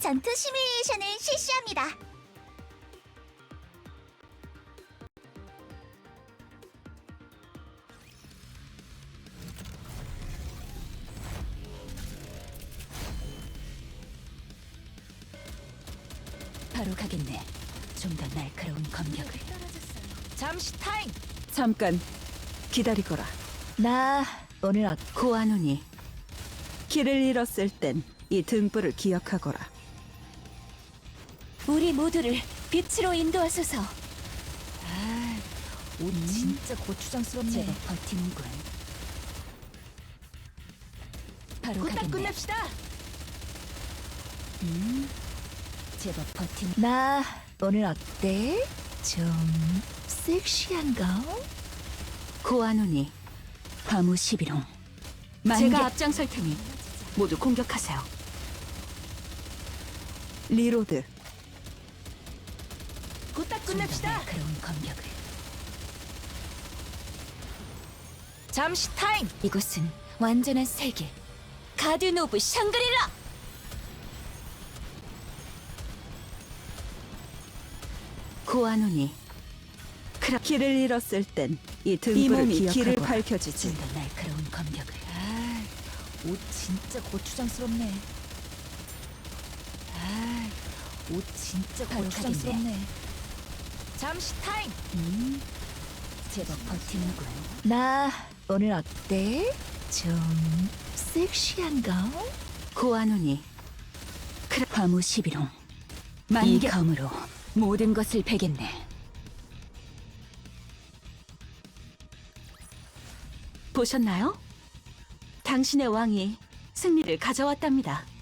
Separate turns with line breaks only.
전투 시뮬레이션을 실시합니다.
바로 가겠네. 좀 더 날카로운 검격을.
잠시 타임.
잠깐 기다리거라.
나 오늘
고아누니, 길을 잃었을 땐 이 등불을 기억하거라.
우리 모두를 빛으로 인도하소서.
옷 진짜 고추장스럽네.
제법 버티는군. 바로
후딱
가겠네.
끝냅시다.
제법 버틴. 나 오늘 어때? 좀 섹시한가?
고아누니, 화무 11홍. 제가 앞장설 테니 모두 공격하세요. 리로드,
후딱
좀 더
끝냅시다.
날카로운 검격을.
잠시 타임.
이곳은 완전한 세계. 가든 오브 샹그릴라.
고아누니, 길을 잃었을 땐 이 등불을 기억하거라. 길을 밝혀주지.
좀 더 날카로운 검격을.
옷 진짜 고추장스럽네. 옷 진짜
바로
고추장스럽네. 잠시 타임.
제법 버티는군. 나 오늘 어때? 좀 섹시한가?
고아누니, 화무 11홍.
이
만개
검으로 모든 것을 베겠네.
보셨나요? 당신의 왕이 승리를 가져왔답니다.